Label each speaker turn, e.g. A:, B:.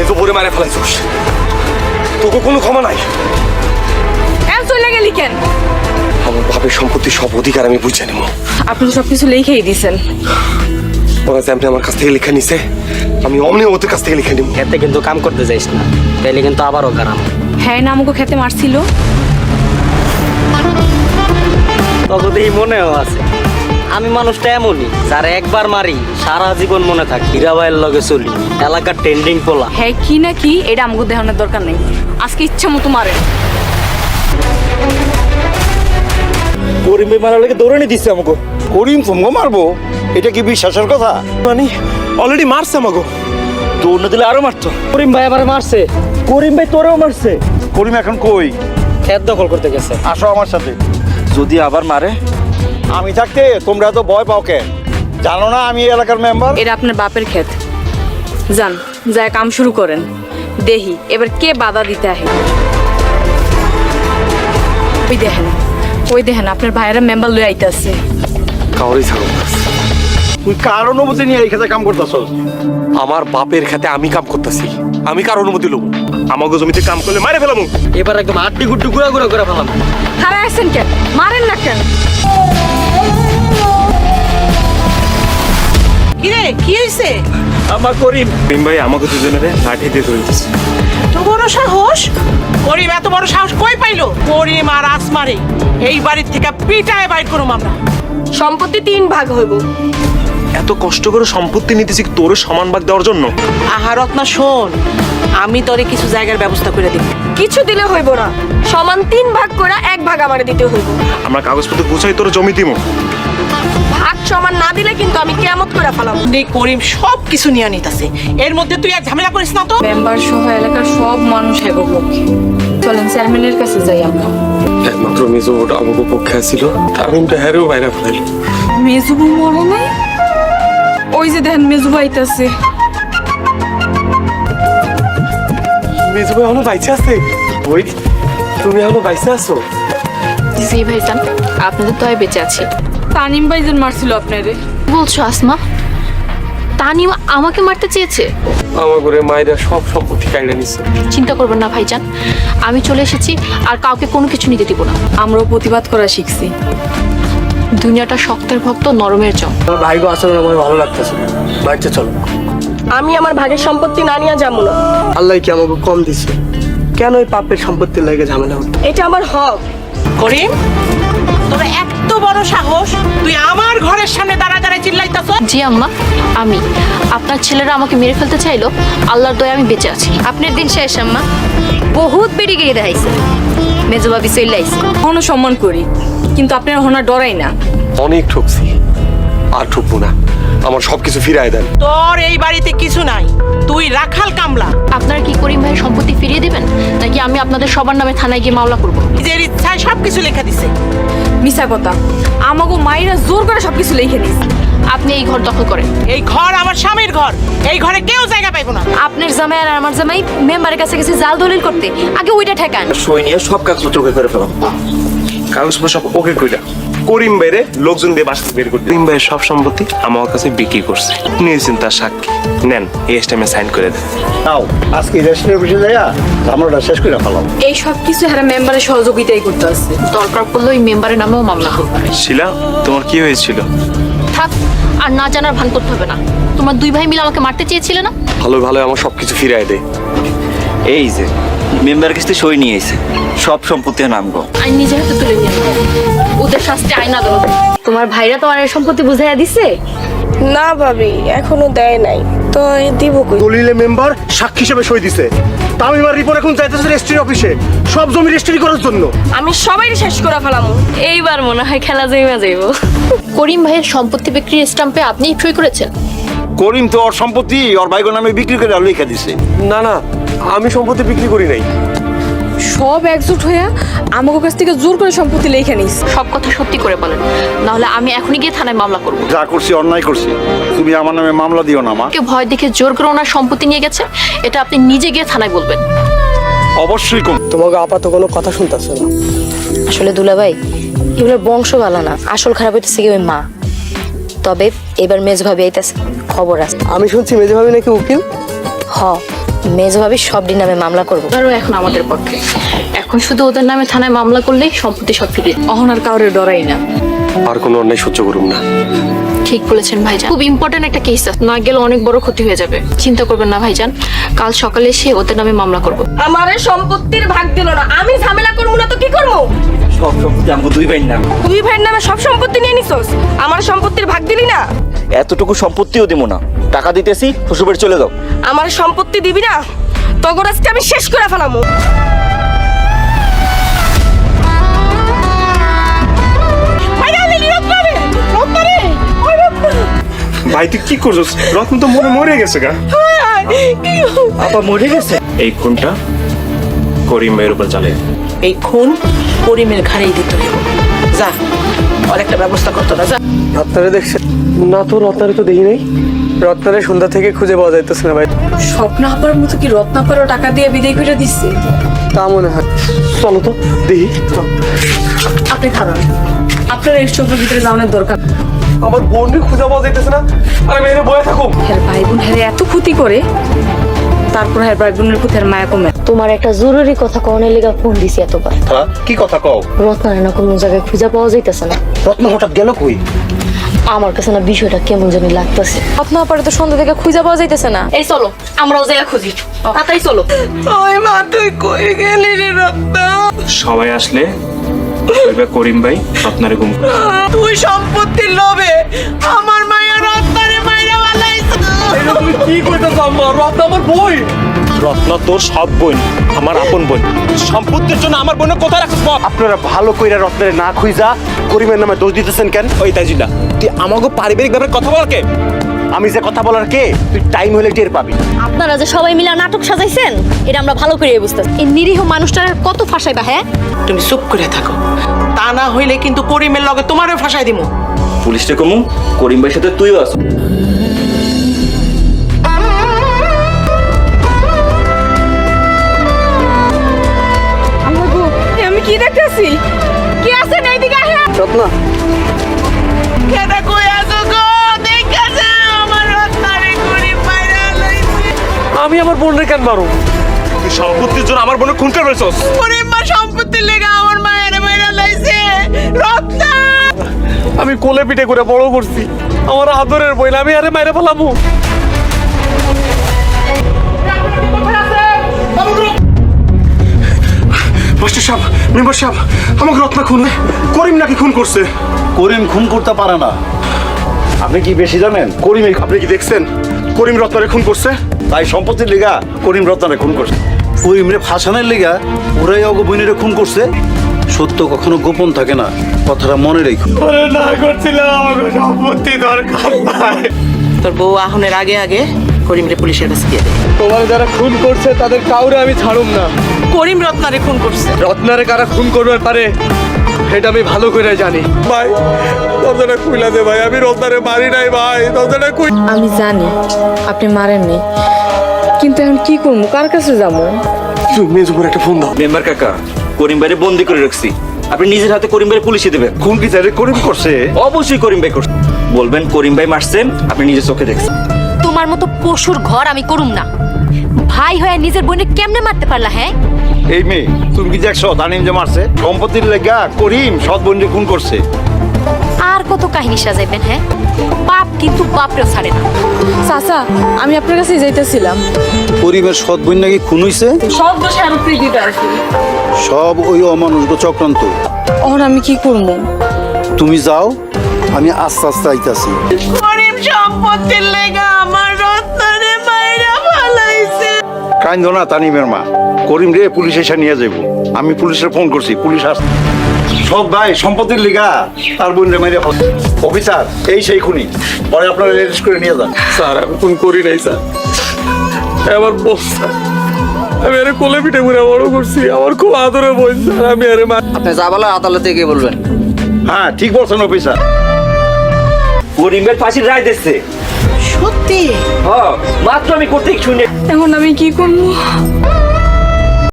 A: তো বলে মারে ফেলাইছিস, তোকে কোনো ক্ষমা নাই।
B: চলে গেলি কেন?
A: আমার বাপের সম্পত্তি সব অধিকার আমি বুঝে নেব।
B: আপনি তো সবকিছু লিখেই দিয়েছেন।
A: ওরা যে আপনি আমার কাছ থেকে লিখে নিছে, আমি অমনি ওদের কাছ থেকে লিখে নিব।
C: খেতে কিন্তু কাম করতে যাইস না, তাইলে কিন্তু আবারও কারাম।
B: হ্যাঁ, না আমাকে খেতে মারছিল।
C: ততদিন মনেও আছে আমি মানুষটা এমনই, যারা একবার মারি সারা জীবন মনে থাকি। হীরাবাইয়ের লগে চলি, এলাকার ট্রেন্ডিং পোলা।
B: হ্যাঁ, কি না কি এটা আমাকে দেখানোর দরকার নেই। আজকে ইচ্ছা মতো মারে।
D: করিম ভাই মারার লেগে দৌড়ানি দিচ্ছে আমাকে। করিম তোমাকে মারবো, এটা কি বিশ্বাসের কথা?
A: মানে অলরেডি মারছে আমাকে।
D: দৌড় না দিলে আরো মারতো।
C: করিম ভাই আবার মারছে।
D: করিম ভাই তোরেও মারছে। করিম এখন কই?
C: খেত দখল করতে গেছে।
D: আসো আমার সাথে। যদি আবার মারে, আমি থাকতে তোমরা তো ভয় পাও কে? জানো না আমি এই এলাকার মেম্বার।
B: এটা আপনার বাপের ক্ষেত। যান, যায় কাম শুরু করেন। দেহি এবার কে বাধা দিতে আহে। ওই দেখেন আপনার ভাইয়েরা মেম্বার লয়ে আইতাছে।
A: কাউরি ছাড়ো না।
D: তুই কার অনুমতি নিয়ে এই খেতে কাম করতেছস?
A: আমার বাপের খেতে আমি কাম করতেছি, আমি কার অনুমতি লব? আমাকে জমিতে কাম করলে মারে ফেলাম।
C: এবার একদম আড্ডি গুড্ডি গুড়া গুড়া করে ফেলাম।
B: খারাপ আছেন কেন? মারেন না কেন?
E: কিরে কি হইছে?
D: আমার করিম
A: ভাই আমাকে দুজনের লাঠি দিয়ে ধরেছে।
E: এত বড় সাহস! করিম এত বড় সাহস কই পাইলো? করিম আর আসমারে এই বাড়ির থেকে পিটায় বাইর করুম আমরা।
B: সম্পত্তি 3 ভাগ হইব।
A: এত কষ্ট করে সম্পত্তি নিতেছি তোর সমান ভাগ দেওয়ার জন্য?
E: আহা রত্না শোন, আমি তোরে কিছু জায়গার ব্যবস্থা করে দিব।
B: কিছু দিলে হইব না, সমান 3 ভাগ করে 1 ভাগ আমারে দিতে হইব।
A: আমরা কাগজপত্র গুছাই তোর জমি দিব।
B: ভাগ সমান না দিলে কিন্তু আমি কিয়ামত করে ফেলাম।
E: এই করিম সব কিছু নিয়ে নিতেছে, এর মধ্যে তুই আর ঝামেলা করিস না তো।
B: মেম্বার সহ এলাকার সব মানুষ হেগো পক্ষে। চলেন চেয়ারম্যানের কাছে যাই আমরা।
A: একমাত্র মেজো ওটা আমাকে পক্ষে ছিল, তার কিন্তু হ্যারেও বাইরে ফেলাইল।
B: মেজুবু মরে নাই? ওই যে দেখেন মেজুবু আইতাছে।
A: মেজো ভাই এখনো বাইচে আছে? ওই তুমি এখনো বাইচে আছো?
F: জি ভাইজান, আপনাদের তো বেঁচে আছি।
B: তানিম ভাইজান মারছিল আপনারে।
F: বলছো আসমা? তানিম আমাকে মারতে চেয়েছে?
A: আমার ঘরে মায়েরা সব সম্পত্তি কাইড়ে নিচ্ছে।
F: চিন্তা করবেন না ভাইজান, আমি চলে এসেছি আর কাউকে কোনো কিছু নিতে দিব না।
B: আমরাও প্রতিবাদ করা শিখছি।
F: দুনিয়াটা শক্তের ভক্ত, নরমের জম।
C: আমার ভাইগো আসলে আমার ভালো লাগতেছে, বাড়িতে চলো।
G: আমি আমার ভাগের সম্পত্তি না নিয়ে যাবো না।
C: আল্লাহ কি আমাকে কম দিছে? কেন ওই পাপের সম্পত্তির লাগে ঝামেলা হতো?
G: এটা আমার হক।
E: করিম, তোর এত বড় সাহস, তুই আমার ঘরের সামনে দাঁড়ায় দাঁড়ায় চিল্লাইতাছ?
F: জি আম্মা, আমি আপনার ছেলেরা আমাকে মেরে ফেলতে চাইলো, আল্লাহর দয়ায় আমি বেঁচে আছি।
H: আপনার দিন শেষ আম্মা, বহুত বেড়িগিরি দেখাইছে। মেজবাবি চলে আইছে।
B: এখনো সম্মান করি, কিন্তু আপনার হনা ডরাই না।
A: অনেক ঠকছি, আর ঠকবো না। আমার সবকিছু ফিরায় দেন।
E: তোর এই বাড়িতে কিছু নাই, তুই রাখাল কামলা।
F: আপনারা কি করিম ভাইয়ের সম্পত্তি ফিরিয়ে দেবেন, নাকি আমি আপনাদের সবার নামে থানায় গিয়ে মামলা করবো?
E: নিজের ইচ্ছায় সবকিছু লেখা দিছে।
B: মিছা কথা, আমাগো মাইরা জোর করে সবকিছু লিখে নিস।
F: আপনি এই ঘর দখল করেন।
E: এই ঘর আমার স্বামীর ঘর, এই ঘরে কেউ জায়গা পাইবো না।
H: আপনার জামাই আর আমার জামাই মেম্বারের কাছে গেছে জাল দলিল করতে, আগে ওইটা ঠেকান।
D: সই নিয়ে সব কাগজপত্র ওকে করে ফেলাম।
A: কাগজপত্র সব ওকে কইরা করিম বাইরে লোকজন দিয়ে বাসা বের করতে। করিম ভাইয়ের সব সম্পত্তি আমার কাছে বিক্রি করছে, নিয়েছেন তার সাক্ষী। নেন, এই স্টেমে সাইন করে দেন।
D: নাও আজকে রেস্টুরেন্টে বসে যাইয়া আমরা শেষ করে ফেলাম।
B: এই সব কিছু হারা মেম্বারের সহযোগিতাই করতে আছে।
F: দরকার পড়লে ওই মেম্বারের নামেও মামলা করবো।
A: শিলা, তোমার কি হয়েছিল?
F: থাক, আর না জানার ভান করতে হবে না। তোমার 2 ভাই মিলে আমাকে মারতে চেয়েছিলে না?
A: ভালো ভালো আমার সবকিছু ফিরায় দে।
I: এই যে মেম্বার কাছে সই নিয়ে এসে সব সম্পত্তি নামগো।
F: আইন নিজের হাতে তুলে নিয়ে ওদের শাস্তি আইন আদালত।
H: তোমার ভাইরা তোমার এই সম্পত্তি বুঝাইয়া দিছে?
G: না ভাবি, এখনো দেয় নাই তো দিব কই।
D: দলিলে মেম্বার সাক্ষী হিসেবে সই দিছে। তামিমার রিপোর্ট এখন যাইতেছে রেজিস্ট্রি অফিসে, সব জমি রেজিস্ট্রি করার জন্য।
G: আমি সবাই শেষ করে ফেলাম।
H: এইবার মনে হয় খেলা জমা যাইব।
F: করিম ভাইয়ের সম্পত্তি বিক্রির স্টাম্পে আপনি সই করেছেন?
D: করিম তো ওর সম্পত্তি ওর ভাইগো নামে বিক্রি করে লিখে দিছে।
A: না না, আমি সম্পত্তি বিক্রি করি নাই।
B: সব একজোট হইয়া আমাগো কাছ থেকে জোর করে সম্পত্তি লিখে নিস।
F: সব কথা সত্যি করে বলেন, নাহলে আমি এখনই গিয়ে থানায় মামলা করব।
D: যা করছি অন্যায় করছি, তুমি আমার নামে মামলা দিও না মা।
F: কেউ ভয় দেখে জোর করে ওনার সম্পত্তি নিয়ে গেছে, এটা আপনি নিজে গিয়ে থানায় বলবেন।
D: অবশ্যই কম।
C: তোমাকে আপাতত কোনো কথা শুনতেছে না।
H: আসলে দুলাভাই, এগুলোর বংশ ভালো না, আসল খারাপ হইতেছে কি ওই মা। তবে এবার মেজ ভাবি আইতাছে, খবর আছে।
C: আমি শুনছি মেজে ভাবি নাকি উকিল।
H: হ, মেজো ভাবি সব দিন নামে মামলা করবো।
F: আরও এখন আমাদের পক্ষে, এখন শুধু ওদের নামে থানায় মামলা করলেই সম্পত্তি সব ফিরে।
B: অহন আর কাউরে ডরাই না।
A: আর কোনো অন্যায় সহ্য করুম না।
F: ঠিক বলেছেন ভাইজান, খুব ইম্পর্টেন্ট একটা কেস আছে, না গেলে অনেক বড় ক্ষতি হয়ে যাবে। চিন্তা করবেন না ভাইজান, কাল সকালে এসে ওদের নামে মামলা করব।
B: আমারে সম্পত্তির ভাগ দিল না, আমি ঝামেলা করবো না তো কি করবো?
I: সব সম্পত্তি আমাকে দুই ভাই নাম।
B: দুই ভাইয়ের নামে সব সম্পত্তি নিয়ে নিছস, আমার সম্পত্তির ভাগ দিলি না?
I: এতটুকু সম্পত্তিও দিব না, টাকা দিতেছি শ্বশুরবাড়ি চলে যাও।
B: আমার সম্পত্তি দিবি না, তখন আজকে আমি শেষ করে ফেলামু।
A: ভাই তুই কি করছিস? রত্ন তো মরে গেছে গা।
I: আপা মরে গেছে?
A: এই খুনটা করিম ভাইয়ের উপর চালে।
E: এই খুন করিমের ঘাড়েই দিতে হইব। যা, আর একটা ব্যবস্থা করতে না, যা।
J: রত্নারে দেখছেন না? তো রত্নারে তো দেখি নাই। রত্নারে সন্ধ্যা থেকে খুঁজে পাওয়া যাইতেছে না ভাই।
B: স্বপ্ন আপার মতো কি রত্নাপারও টাকা দিয়ে বিদায় করে দিচ্ছে?
J: তা মনে হয়। চলো তো দেখি।
B: আপনি খারাপ, আপনার এই চোখের ভিতরে যাওয়ার দরকার।
J: আমার বোনকে খুঁজে পাওয়া যাইতেছে না, আর আমি এনে বয়ে থাকুক।
B: হ্যাঁ ভাই বোন হ্যাঁ এত ক্ষতি করে, তারপর হ্যাঁ ভাই বোনের প্রতি আর মায়া কমে।
H: তোমার একটা জরুরি কথা কনের লেগে ফোন দিছি এতবার।
D: কি কথা কও?
H: রত্নারে না কোনো জায়গায় খুঁজে পাওয়া যাইতেছে না।
D: রত্ন হঠাৎ গেল কই?
H: আমার কাছে না বিষয়টা কেমন জানি লাগতেছে।
B: রত্না আপারে তো সন্ধ্যা থেকে খুঁজে পাওয়া যাইতেছে না।
F: এই চলো আমরাও জায়গা খুঁজি, তাড়াতাড়ি চলো।
E: ওই মা, তুই কই গেলি রে রত্না?
A: সবাই আসলে কইবে করিম ভাই আপনারে গুম করে।
E: তুই সম্পত্তির লোভে আমার মায়ের রত্নারে মাইরা বানাইছ।
J: এটা তুমি কি কইতেছ আম্মা? রত্না আমার বই।
A: রত্ন তোর সব বোন, আমার আপন বোন। সম্পত্তির জন্য আমার বোনের কোথায় রাখছিস?
D: আপনারা ভালো কইরা রত্নের না খুঁজা করিমের নামে দোষ দিতেছেন কেন?
A: ওই তাজিলা, তুই আমাকে পারিবারিক ব্যাপারে কথা বল কে?
D: আমি যে কথা বলার কে, তুই টাইম হলে টের পাবি।
H: আপনারা যে সবাই মিলে নাটক সাজাইছেন এটা আমরা ভালো করে বুঝতেছি। এই নিরীহ মানুষটার কত ফাঁসাইবা? হ্যাঁ
E: তুমি চুপ করে থাকো, তা না হইলে কিন্তু করিমের লগে তোমারও ফাঁসাই দিমু।
I: পুলিশটা কমু, করিম ভাইয়ের সাথে তুইও আস।
B: আমি কি দেখতেছি? কি আছে না এইদিকে আহে।
J: রত্না
E: কেডা কই আছো গো? দেখাছে আমার রত্নারে করিম মাইরা লইছে।
J: আমি আমার বোনের কেন মারো?
A: তুই সম্পত্তির জন্য আমার বোনের খুন করছিস।
E: করিম মা সম্পত্তির লেগে আমার মায়ের মাইরা লইছে। রত্না,
J: আমি কোলে পিঠে করে বড় করছি, আমার আদরের বই, আমি আরে মাইরে ফেলামু।
A: মাস্টার সাহেব, মেম্বার সাহেব, আমাকে রত্না খুন, করিম নাকি খুন করছে।
D: করিম খুন করতে পারে না। আপনি কি বেশি জানেন? করিম,
A: আপনি কি দেখছেন করিম রত্নারে খুন করছে?
D: তাই সম্পত্তির লিগা করিম রত্নারে খুন করছে। করিমরে ফাঁসানোর লিগা ওরাই অগ বইনেরে খুন করছে। সত্য কখনো গোপন থাকে না, কথাটা মনে রেখো।
J: আরে না করছিলাম, আমাকে সম্পত্তি দরকার নাই।
E: তোর বউ আহনের আগে আগে করিমরে পুলিশের কাছে দিয়ে দে।
J: তোমার যারা খুন করছে তাদের কাউরে আমি ছাড়ুম না।
E: করিম রত্নারে খুন করছে।
J: রত্নারে কারা খুন করবার পারে এটা আমি ভালো করে জানি। ভাই দরজাটা খুইলা দে ভাই, আমি রত্নারে মারি নাই ভাই, দরজাটা খুই।
B: আমি জানি আপনি মারেননি, কিন্তু এখন কি করবো? কার কাছে যাবো?
A: তুই মেজো করে একটা ফোন দাও।
I: মেম্বার কাকা, করিম ভাইরে বন্দি করে রাখছি, আপনি নিজের হাতে করিম ভাইরে পুলিশে দেবেন।
D: খুন কি তাহলে করিম করছে?
I: অবশ্যই করিম ভাই করছে। বলবেন করিম ভাই মারছেন, আপনি নিজের চোখে দেখছেন।
H: তোমার মতো পশুর ঘর আমি করুম না। ভাই হয়ে নিজের বোনে কেমনে মারতে পারলা? হ্যাঁ
D: এই মেয়ে, তুমি কি দেখছো তানিম যে মারছে? সম্পত্তির লেগা করিম সৎ বোনকে খুন করছে।
H: আর কত কাহিনী সাজাইবেন? হ্যাঁ পাপ কিন্তু বাপরেও ছাড়ে না।
B: চাচা, আমি আপনার কাছে যাইতেছিলাম।
D: করিমের সৎ বোন নাকি খুন হইছে?
B: সব দোষে আমি প্রীতিতে আছি।
D: সব ওই অমানুষ চক্রান্ত।
B: এখন আমি কি করবো?
D: তুমি যাও, আমি আস্তে আস্তে আইতাছি।
E: করিম সম্পত্তির লেগে আমার রত্নারে মাইরা ফালাইছে।
D: কাইন্দ না তানিমের মা, করিম রে পুলিশ এসে নিয়ে যাইব। আমি পুলিশের ফোন করছি, পুলিশ আস। সব ভাই সম্পত্তির লিগা তার বোন রে মাইরা ফেলছে। অফিসার, এই সেই খুনি, পরে আপনারা রেজিস্ট করে নিয়ে যান।
J: স্যার আমি খুন করি নাই স্যার, আমার বস স্যার, আমি আরে কোলে পিঠে করে বড় করছি, আমার খুব আদরে বোন স্যার, আমি আরে মা।
C: আপনি যা বলেন আদালতে গিয়ে বলবেন।
D: হ্যাঁ ঠিক বলছেন অফিসার।
I: করিম ভাই ফাঁসির রায় দিচ্ছে।
E: সত্যি?
I: হ্যাঁ, মাত্র আমি করতে শুনে।
B: এখন আমি কি করবো?